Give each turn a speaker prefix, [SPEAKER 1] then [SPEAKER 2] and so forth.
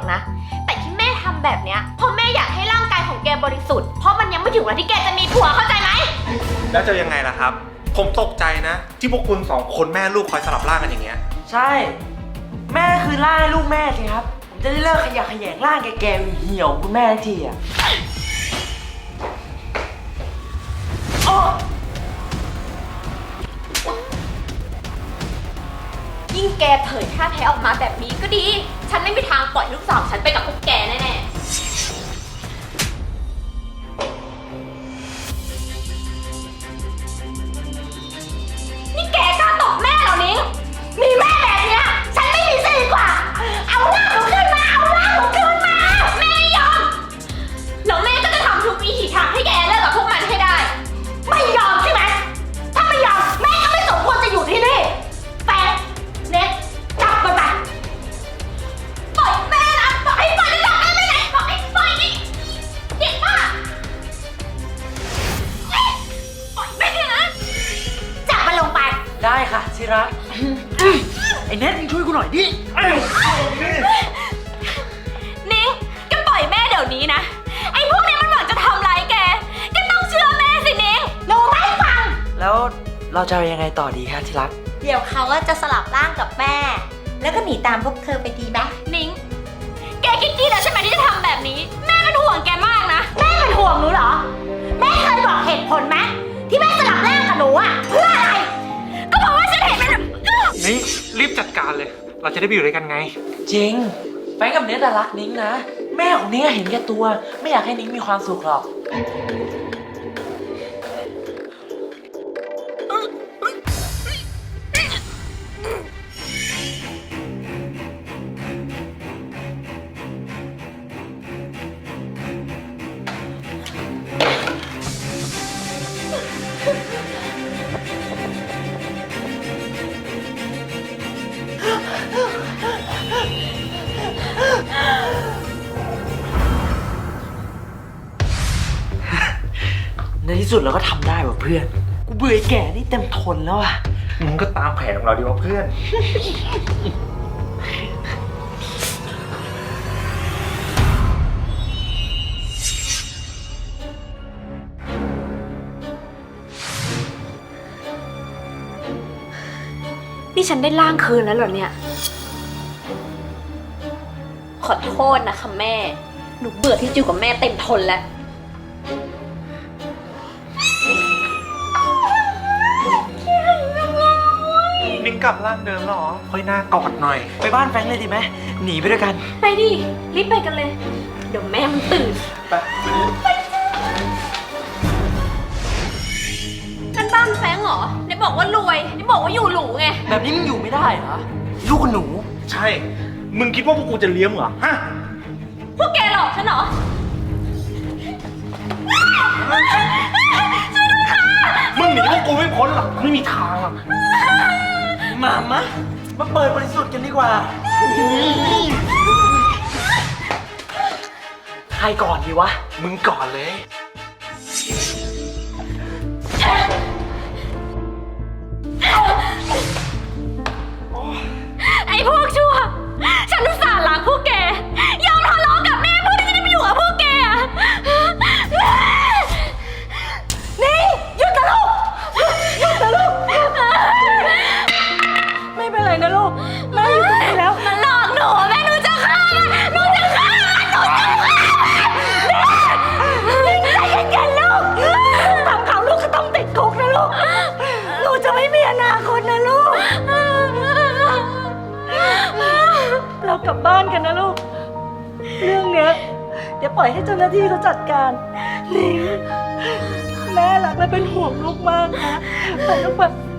[SPEAKER 1] อกนะแต่ที่แม่ทำแบบเนี้ยเพราะแม่อยากให้ร่างกายของแกบริสุทธิ์เพราะมันยังไม่ถึงวันที่แกจะมีผัวเข้าใจไหม
[SPEAKER 2] แล้วจะยังไงล่ะครับผมตกใจนะที่พวกคุณสองคนแม่ลูกคอยสลับร่างกันอย่างเงี้ย
[SPEAKER 3] ใช่แม่คือร่างให้ลูกแม่สิครับผมจะได้เลิกขยะแขยงร่างแกเหี่ยวคุณแม่ทีอ่ะ
[SPEAKER 1] ยิ่งแกเผยท่าแท้ออกมาแบบนี้ก็ดีฉันไม่มีทางปล่อยลูกสาวฉันไปกับพวกแกแน่ๆนี่แกกล้าตบแม่เหรอนิ้งมีแม่แบบเนี้ยฉันไม่มีสิทธิ์กว่าเอาหน้าหนูขึ้นมาเอาหน้าหนูขึ้นมาแม่ไม่ยอมแล้วแม่ก็จะทำทุกวิถีทางให้แกเลิกกับพวกมันให้ได้ไม่ยอมใช่ไหมถ้าไม่ยอมแม่ก็ไม่สมควรจะอยู่ที่นี่แฟนเน็ตจับมันไปปล่อยแม่นะปล่อยจะจับแม่ไปไหนปล่อยนี่เด็กมากปล่อยแม่นะจับมันลงไป
[SPEAKER 3] ได้ค่ะชิรักไอ้เน็ตมึงช่วยกูหน่อยดิ
[SPEAKER 1] นิ้งแกปล่อยแม่เดี๋ยวนี้นะไอ้พวกนี้มันหวังจะทำร้ายแกต้องเชื่อแม่สินิ้งหนูไม่ฟัง
[SPEAKER 3] แล้วเราจะยังไงต่อดีคะชิรัก
[SPEAKER 4] เดี๋ยวเขาก็จะสลับร่างกับแม่แล้วก็หนีตามพวกเธอไปดีไหม
[SPEAKER 1] นิ้งแกคิดดีแล้วใช่ไหมที่จะทำแบบนี้แม่เป็นห่วงแกมากนะ
[SPEAKER 4] แม่เป็นห่วงหนูเหรอแม่เคยบอกเหตุผลไหมที่แม่สลับร่างกับหนูอะเพื่ออะไร
[SPEAKER 1] ก็เพราะว่าฉันเห็นมัน
[SPEAKER 2] นี่รีบจัดการเลยเราจะได้ไปอยู่ด้วยกันไง
[SPEAKER 3] จริงแฟนกับเน็ตรักนิ้งนะแม่ของนิ้งเห็นแก่ตัวไม่อยากให้นิ้งมีความสุขหรอกในที่สุดเราก็ทำได้ว่ะเพื่อนกูเบื่อแก่นี่เต็มทนแล้วอ่ะ
[SPEAKER 2] มึงก็ตามแผนของเราดีว่าเพื่อน
[SPEAKER 1] นี่ฉันได้ร่างคืนแล้วเหรอเนี่ยขอโทษนะคะแม่หนูเบื่อที่อยู่กับแม่เต็มทนแล้ว
[SPEAKER 2] นิ้งกลับร่างเดิมแล้วเหรอค่อยหน้ากอดหน่อย
[SPEAKER 3] ไปบ้านแฟรงค์เลยดีไหมหนีไปด้วยกัน
[SPEAKER 1] ไปดิรีบไปกันเลยเดี๋ยวแม่มันตื่น
[SPEAKER 2] ไป
[SPEAKER 1] นั่นบ้านแฟรงค์เหรอได้บอกว่ารวยได้บอกว่าอยู่หรูไง
[SPEAKER 3] แบบนี้มึงอยู่ไม่ได้เหรอลูกกับหนู
[SPEAKER 2] ใช่มึงคิดว่าพวกกูจะเลี้ยงเหรอฮะ
[SPEAKER 1] พวกแกหลอกฉันเหรอ
[SPEAKER 2] มึงหนีพวกกูไม่พ้นหรอกไม่มีทางหรอก
[SPEAKER 3] มาเปิดบริสุทธิ์กันดีกว่าใครก่อนดีวะ
[SPEAKER 2] มึงก่อนเลย
[SPEAKER 1] ไอ้พวกชั่วฉันอุตส่าห์รักพวกแกยอมทะเลาะกับแม่เพื่อที่จะได้ไปอยู่กับพวกแกนี่หยุดนะลูกหยุดนะลูกไม่เป็นไรนะลูกแม่อยู่ตรงนี้แล้วมันหลอกหนูแม่หนูจะฆ่ามันหนูจะฆ่านี่ใจเย็นๆลูกทำเขาลูกก็ต้องติดคุกนะลูกหนูจะไม่มีอนาคตนะลูกเรากลับบ้านกันนะลูกเรื่องเนี้ยเดี๋ยวปล่อยให้เจ้าหน้าที่เขาจัดการนิ้งแม่รักและเป็นห่วงลูกมากนะไปลูกไป